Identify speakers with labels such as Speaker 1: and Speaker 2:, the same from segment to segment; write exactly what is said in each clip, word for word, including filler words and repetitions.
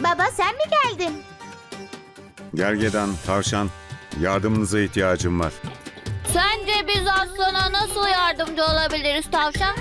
Speaker 1: baba, sen mi geldin?
Speaker 2: Gergedan, tavşan, yardımınıza ihtiyacım var.
Speaker 3: Sence biz aslana nasıl yardımcı olabiliriz tavşan?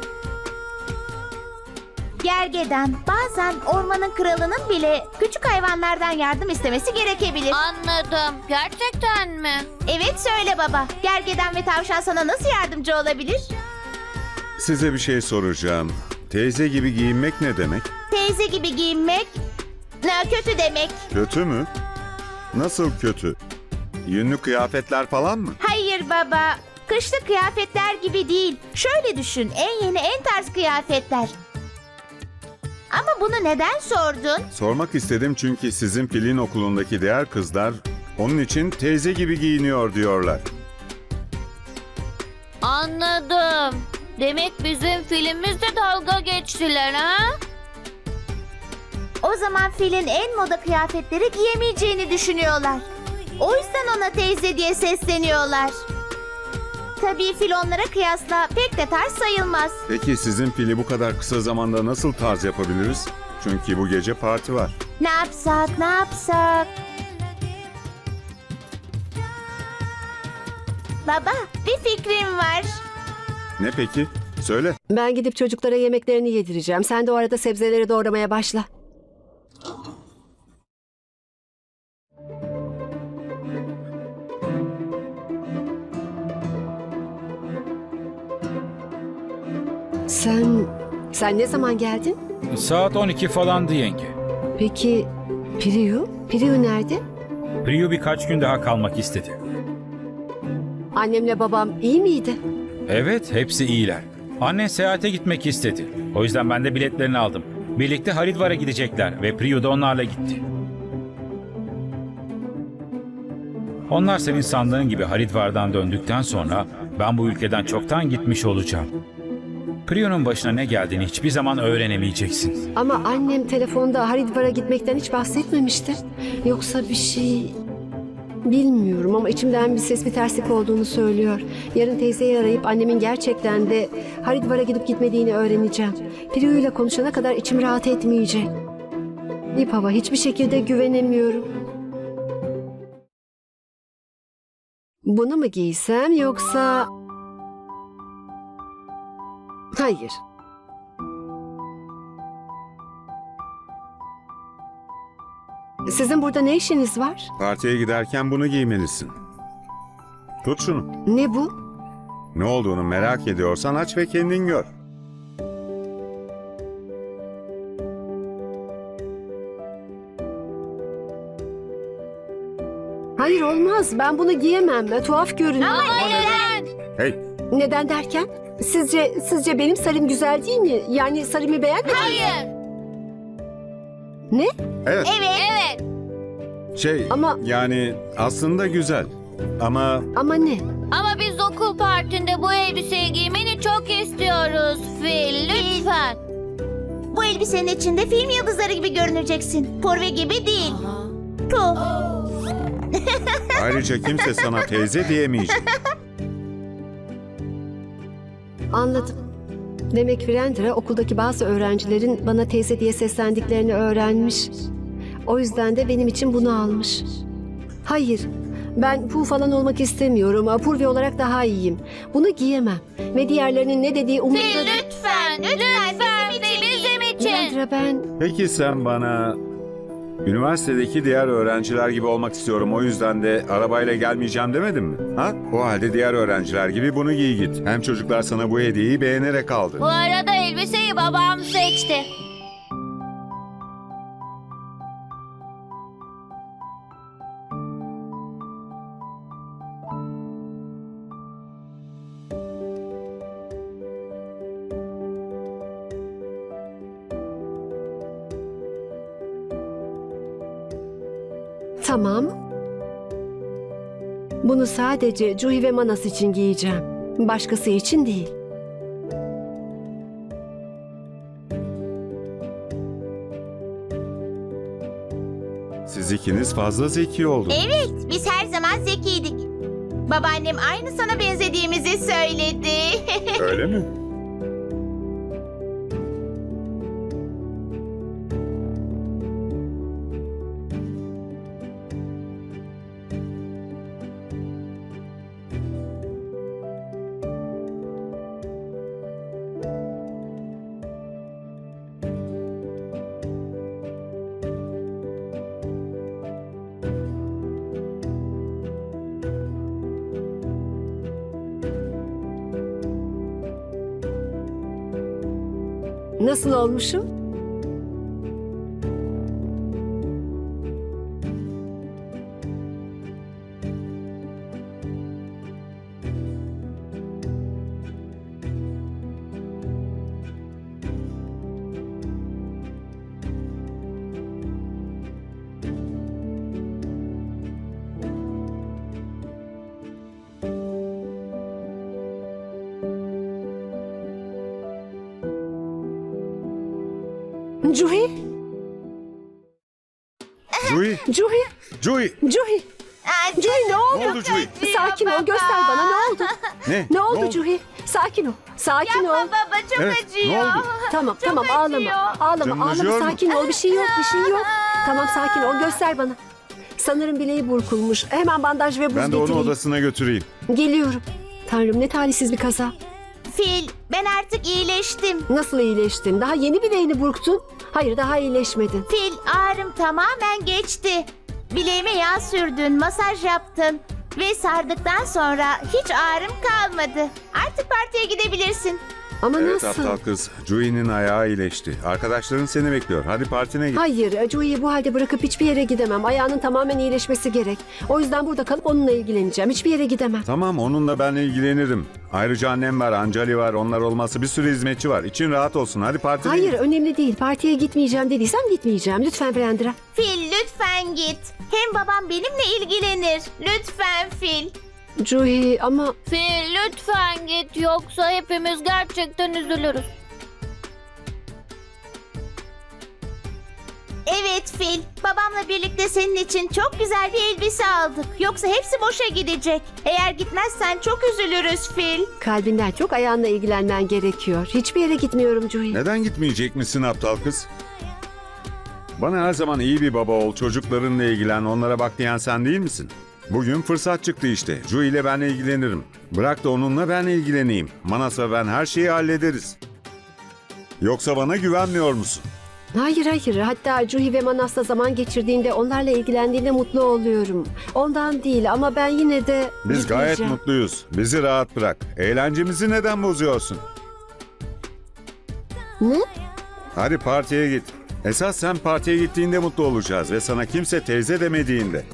Speaker 1: Gergedan, bazen ormanın kralının bile küçük hayvanlardan yardım istemesi gerekebilir.
Speaker 3: Anladım. Gerçekten mi?
Speaker 1: Evet, söyle baba. Gergedan ve tavşan sana nasıl yardımcı olabilir?
Speaker 2: Size bir şey soracağım. Teyze gibi giyinmek ne demek?
Speaker 1: Teyze gibi giyinmek ne kötü demek.
Speaker 2: Kötü mü? Nasıl kötü? Yünlü kıyafetler falan mı?
Speaker 1: Hayır baba. Kışlık kıyafetler gibi değil. Şöyle düşün. En yeni, en tarz kıyafetler. Ama bunu neden sordun?
Speaker 2: Sormak istedim çünkü sizin filin okulundaki diğer kızlar onun için teyze gibi giyiniyor diyorlar.
Speaker 3: Anladım. Demek bizim filmimizde dalga geçtiler ha?
Speaker 1: O zaman filin en moda kıyafetleri giyemeyeceğini düşünüyorlar. O yüzden ona teyze diye sesleniyorlar. Tabii fil onlara kıyasla pek de tarz sayılmaz.
Speaker 2: Peki sizin fili bu kadar kısa zamanda nasıl tarz yapabiliriz? Çünkü bu gece parti var.
Speaker 1: Ne yapsak, ne yapsak? Baba, bir fikrim var.
Speaker 2: Ne peki? Söyle.
Speaker 4: Ben gidip çocuklara yemeklerini yedireceğim. Sen de o arada sebzeleri doğramaya başla. Sen, sen ne zaman geldin?
Speaker 5: Saat on iki falandı yenge.
Speaker 4: Peki Priyu? Priyu nerede?
Speaker 5: Priyu birkaç gün daha kalmak istedi.
Speaker 4: Annemle babam iyi miydi?
Speaker 5: Evet, hepsi iyiler. Annen seyahate gitmek istedi. O yüzden ben de biletlerini aldım. Birlikte Haridvar'a gidecekler ve Priyu da onlarla gitti. Onlar senin sandığın gibi Haridvar'dan döndükten sonra ben bu ülkeden çoktan gitmiş olacağım. Priyu'nun başına ne geldiğini hiçbir zaman öğrenemeyeceksin.
Speaker 4: Ama annem telefonda Haridvar'a gitmekten hiç bahsetmemişti. Yoksa bir şey... Bilmiyorum ama içimden bir ses bir terslik olduğunu söylüyor. Yarın teyzeyi arayıp annemin gerçekten de Haridvar'a gidip gitmediğini öğreneceğim. Priyu ile konuşana kadar içim rahat etmeyecek. Nipava, hiçbir şekilde güvenemiyorum. Bunu mu giysem yoksa... Hayır. Sizin burada ne işiniz var?
Speaker 2: Partiye giderken bunu giymelisin. Tut şunu.
Speaker 4: Ne bu?
Speaker 2: Ne olduğunu merak ediyorsan aç ve kendin gör.
Speaker 4: Hayır, olmaz. Ben bunu giyemem. Tuhaf görünüyor.
Speaker 3: Ama neden?
Speaker 2: Hey,
Speaker 4: Neden derken? Sizce sizce benim sarım güzel değil mi? Yani sarımı beğenmedin mi?
Speaker 3: Hayır.
Speaker 4: Ne?
Speaker 2: evet.
Speaker 3: Evet.
Speaker 2: Şey,
Speaker 4: Ama-
Speaker 2: yani aslında güzel. Ama
Speaker 4: Ama ne?
Speaker 3: Ama biz okul partinde bu elbiseyi giymeni çok istiyoruz Fil. Lütfen.
Speaker 1: Bu elbisenin içinde film yıldızları gibi görüneceksin. Porve gibi değil. Puh.
Speaker 2: ayrıca kimse sana teyze diyemeyecek.
Speaker 4: Anladım. Demek Virendra okuldaki bazı öğrencilerin bana teyze diye seslendiklerini öğrenmiş. O yüzden de benim için bunu almış. Hayır, ben Pooh falan olmak istemiyorum. Apurvi olarak daha iyiyim. Bunu giyemem. Ve diğerlerinin ne dediği umurumda
Speaker 3: Fil
Speaker 4: değil.
Speaker 3: lütfen. Lütfen Fil bizim için.
Speaker 4: Virendra, ben...
Speaker 2: Peki sen bana üniversitedeki diğer öğrenciler gibi olmak istiyorum, o yüzden de arabayla gelmeyeceğim demedin mi? Ha? O halde diğer öğrenciler gibi bunu giy git. Hem çocuklar sana bu hediyeyi beğenerek aldı.
Speaker 3: Bu arada elbiseyi babam seçti.
Speaker 4: Tamam. Bunu sadece Juhi ve Manas için giyeceğim. Başkası için değil.
Speaker 2: Siz ikiniz fazla zeki oldunuz.
Speaker 1: Evet, biz her zaman zekiydik. Babaannem aynı sana benzediğimizi söyledi.
Speaker 2: Öyle mi?
Speaker 4: Nasıl olmuşum? Cuhi,
Speaker 2: Juhi,
Speaker 4: Cuhi,
Speaker 2: Juhi.
Speaker 4: Cuhi. Cuhi ne oldu?
Speaker 2: Ne oldu Juhi?
Speaker 4: Sakin ol, göster bana ne oldu?
Speaker 2: Ne?
Speaker 4: Ne oldu Cuhi? Sakin ol, sakin ol.
Speaker 1: Baba çok
Speaker 2: Evet,
Speaker 1: acıyor.
Speaker 2: ne oldu?
Speaker 4: Tamam, tamam
Speaker 1: acıyor.
Speaker 4: ağlama. Ağlama,
Speaker 2: Canın
Speaker 4: ağlama.
Speaker 2: acıyor mu?
Speaker 4: Sakin ol. Bir şey yok, bir şey yok. Tamam, sakin ol. Göster bana. Sanırım bileği burkulmuş. Hemen bandaj ve buz
Speaker 2: Ben de onu
Speaker 4: getireyim.
Speaker 2: odasına götüreyim.
Speaker 4: Geliyorum. Tanrım ne talihsiz bir kaza.
Speaker 1: Fil, ben artık iyileştim.
Speaker 4: Nasıl iyileştin? Daha yeni bileğini burktun. Hayır, daha iyileşmedin.
Speaker 1: Fil, ağrım tamamen geçti. Bileğime yağ sürdün, masaj yaptın. Ve sardıktan sonra hiç ağrım kalmadı. Artık partiye gidebilirsin.
Speaker 4: Ama
Speaker 2: Evet
Speaker 4: nasıl?
Speaker 2: aptal kız. Juhi'nin ayağı iyileşti. Arkadaşların seni bekliyor. Hadi partine git.
Speaker 4: Hayır, Joey'i bu halde bırakıp hiçbir yere gidemem. Ayağının tamamen iyileşmesi gerek. O yüzden burada kalıp onunla ilgileneceğim. Hiçbir yere gidemem.
Speaker 2: Tamam, onunla ben ilgilenirim. Ayrıca annem var, Ancali var. Onlar olmazsa bir sürü hizmetçi var. İçin rahat olsun. Hadi partine
Speaker 4: Hayır,
Speaker 2: git.
Speaker 4: önemli değil. Partiye gitmeyeceğim dediysem gitmeyeceğim. Lütfen Brandra.
Speaker 1: Fil, lütfen git. Hem babam benimle ilgilenir. Lütfen Fil.
Speaker 4: Joey ama...
Speaker 3: Fil lütfen git yoksa hepimiz gerçekten üzülürüz.
Speaker 1: Evet Fil, babamla birlikte senin için çok güzel bir elbise aldık. Yoksa hepsi boşa gidecek. Eğer gitmezsen çok üzülürüz Fil.
Speaker 4: Kalbinden çok ayağınla ilgilenmen gerekiyor. Hiçbir yere gitmiyorum Joey.
Speaker 2: Neden gitmeyecek misin aptal kız? Bana her zaman iyi bir baba ol, çocuklarınla ilgilen, onlara bak diyen sen değil misin? Bugün fırsat çıktı işte. Juhi ile ben ilgilenirim. Bırak da onunla ben ilgileneyim. Manas ve ben her şeyi hallederiz. Yoksa bana güvenmiyor musun?
Speaker 4: Hayır hayır. Hatta Juhi ve Manas'la zaman geçirdiğinde, onlarla ilgilendiğinde mutlu oluyorum. Ondan değil ama ben yine de...
Speaker 2: Biz gayet
Speaker 4: gitmeyeceğim.
Speaker 2: mutluyuz. Bizi rahat bırak. Eğlencemizi neden bozuyorsun?
Speaker 4: Ne?
Speaker 2: Hadi partiye git. Esas sen partiye gittiğinde mutlu olacağız ve sana kimse teyze demediğinde.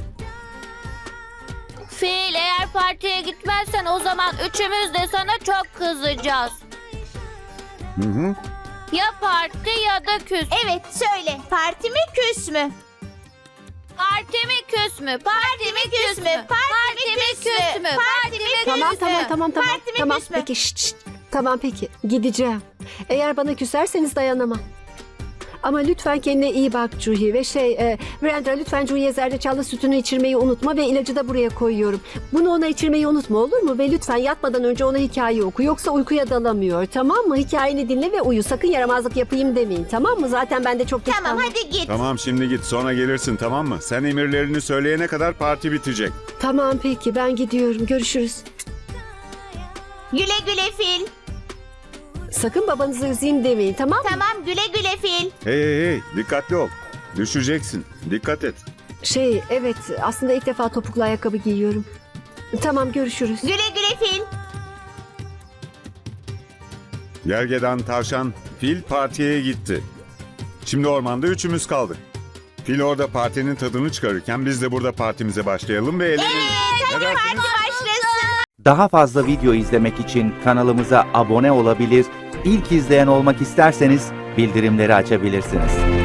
Speaker 3: Fil eğer partiye gitmezsen o zaman üçümüz de sana çok kızacağız.
Speaker 2: Hı hı.
Speaker 3: Ya parti ya da küs.
Speaker 1: Evet söyle, parti mi küs mü?
Speaker 3: Parti mi küs mü? Parti mi küs mü? Parti mi küs mü? Parti mi küs mü?
Speaker 4: Tamam tamam tamam tamam.
Speaker 1: Parti mi,
Speaker 4: Tamam
Speaker 1: küs mü?
Speaker 4: peki şşt, şşt. Tamam peki gideceğim. Eğer bana küserseniz dayanamam. Ama lütfen kendine iyi bak Juhi ve şey e, Brandra lütfen Juhi'ye zerdeçallı sütünü içirmeyi unutma ve ilacı da buraya koyuyorum. Bunu ona içirmeyi unutma olur mu? Ve lütfen yatmadan önce ona hikaye oku yoksa uykuya dalamıyor tamam mı? Hikayeni dinle ve uyu, sakın yaramazlık yapayım demeyin tamam mı? Zaten ben de çok geç
Speaker 1: Tamam
Speaker 4: kaldım.
Speaker 1: hadi git.
Speaker 2: Tamam şimdi git sonra gelirsin tamam mı? Sen emirlerini söyleyene kadar parti bitecek.
Speaker 4: Tamam peki ben gidiyorum, görüşürüz.
Speaker 1: Güle güle Fil.
Speaker 4: Sakın babanızı üzeyim demeyin tamam mı?
Speaker 1: Tamam güle güle Fil.
Speaker 2: Hey hey hey dikkatli ol. Düşeceksin. Dikkat et.
Speaker 4: Şey evet aslında ilk defa topuklu ayakkabı giyiyorum. Tamam görüşürüz.
Speaker 1: Güle güle Fil.
Speaker 2: Gergedan, tavşan, fil partiye gitti. Şimdi ormanda üçümüz kaldık. Fil orada partinin tadını çıkarırken biz de burada partimize başlayalım ve eğlenelim. Ne dersiniz?
Speaker 1: Parti başlasın.
Speaker 6: Daha fazla video izlemek için kanalımıza abone olabilir, ilk izleyen olmak isterseniz bildirimleri açabilirsiniz.